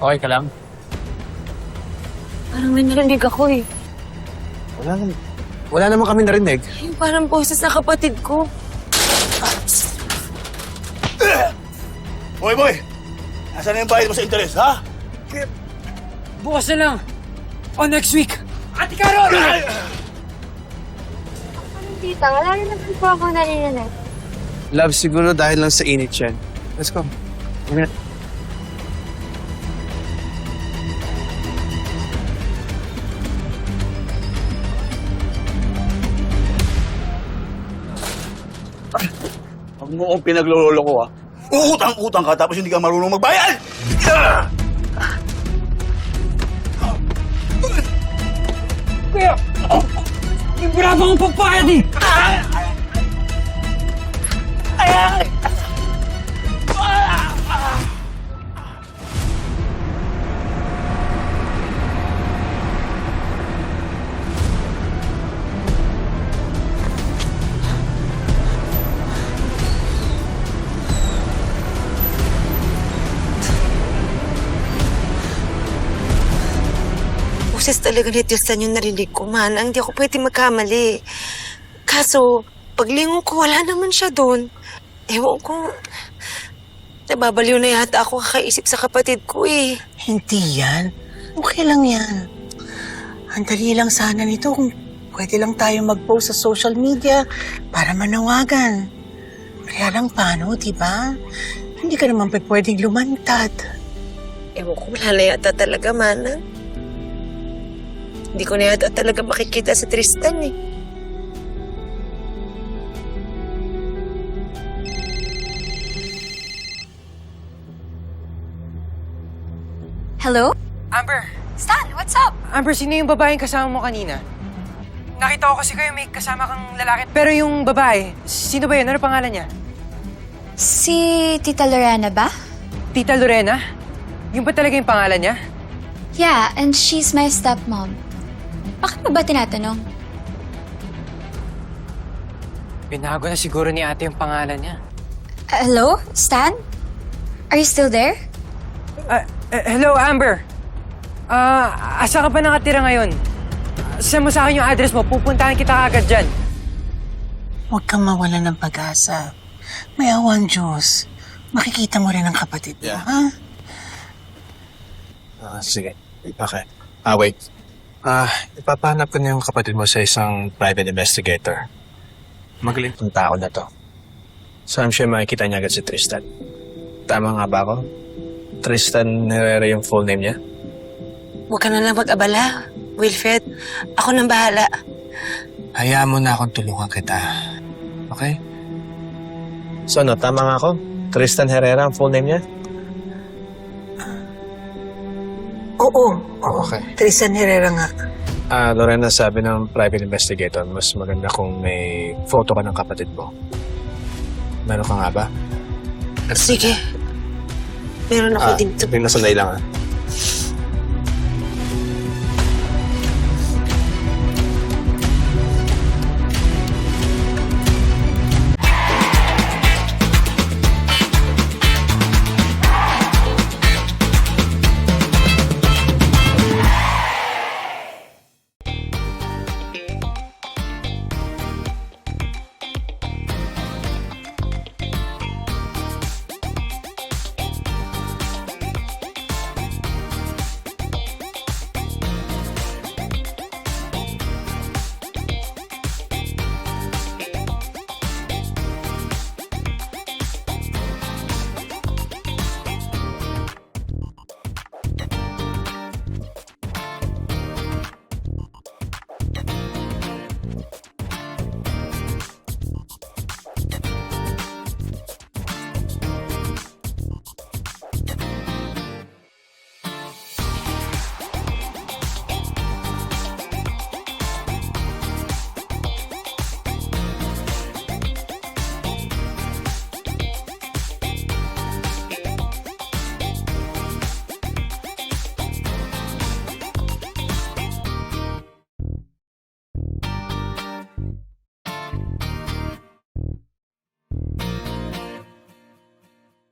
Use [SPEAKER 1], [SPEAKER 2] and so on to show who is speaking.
[SPEAKER 1] Okay ka lang?
[SPEAKER 2] Parang may narinig ako eh.
[SPEAKER 1] Wala naman kami narinig.
[SPEAKER 2] Yung parang boses na kapatid ko.
[SPEAKER 3] Boy! Nasaan na yung bayad mo sa interes, ha?
[SPEAKER 4] Bukas na lang. O next week. Ate Carol!
[SPEAKER 5] Tita, wala rin naman po ako narinig.
[SPEAKER 1] Love, siguro dahil lang sa init yan. Let's go.
[SPEAKER 3] Huwag mo akong pinaglololo ko, ha? Uutang-utang ka tapos hindi ka marunong magbayad!
[SPEAKER 4] Kuya! Yung bravo kong pagpayad eh!
[SPEAKER 2] Boses talaga ni Tristan yung narinig ko, Manang. Hindi ako pwede magkamali. Kaso, paglingon ko, wala naman siya doon. Ewan ko, nababaliw na yata ako kakaisip sa kapatid ko eh.
[SPEAKER 6] Hindi yan. Okay lang yan. Ang dali lang sana nito kung pwede lang tayo mag-post sa social media para manawagan. Kaya lang paano, di ba? Hindi ka naman pwedeng lumantad.
[SPEAKER 2] Ewan ko, wala na yata talaga, Manang. Hindi ko na yata talaga makikita si Tristan eh.
[SPEAKER 5] Hello?
[SPEAKER 4] Amber!
[SPEAKER 5] Stan, what's up?
[SPEAKER 4] Amber, sino yung babaeng kasama mo kanina? Nakita ko kasi kayo may kasama kang lalaki. Pero yung babae, sino ba yun? Ano pangalan niya?
[SPEAKER 5] Si Tita Lorena ba?
[SPEAKER 4] Tita Lorena? Yung ba talaga yung pangalan niya?
[SPEAKER 5] Yeah, and she's my stepmom. Bakit mo ba tinatanong?
[SPEAKER 4] Binago na siguro ni ate yung pangalan niya.
[SPEAKER 5] Hello? Stan? Are you still there?
[SPEAKER 4] Hello, Amber. Asa ka pa nakatira ngayon? Send mo sa akin yung address mo. Pupuntahan kita agad dyan.
[SPEAKER 6] Huwag kang mawala ng pag-asa. May awan Diyos. Makikita mo rin ang kapatid mo, ha?
[SPEAKER 1] Sige. Okay. Wait. Ipapahanap ko na yung kapatid mo sa isang private investigator. Magaling tong tao na to. So I'm sure makikita niya agad si Tristan. Tama nga ba ako? Tristan Herrera yung full name niya?
[SPEAKER 2] Huwag ka na lang mag-abala, Wilfred. Ako nang bahala.
[SPEAKER 1] Hayaan mo na akong tulungan kita. Okay? So ano, tama nga ako? Tristan Herrera ang full name niya?
[SPEAKER 6] Oo.
[SPEAKER 1] Okay.
[SPEAKER 6] Tristan Herrera nga.
[SPEAKER 1] Lorena, sabi ng private investigator, mas maganda kung may photo ka ng kapatid mo. Meron ka nga ba?
[SPEAKER 2] Sige. Meron ako dito.
[SPEAKER 1] Sabihin na sanay lang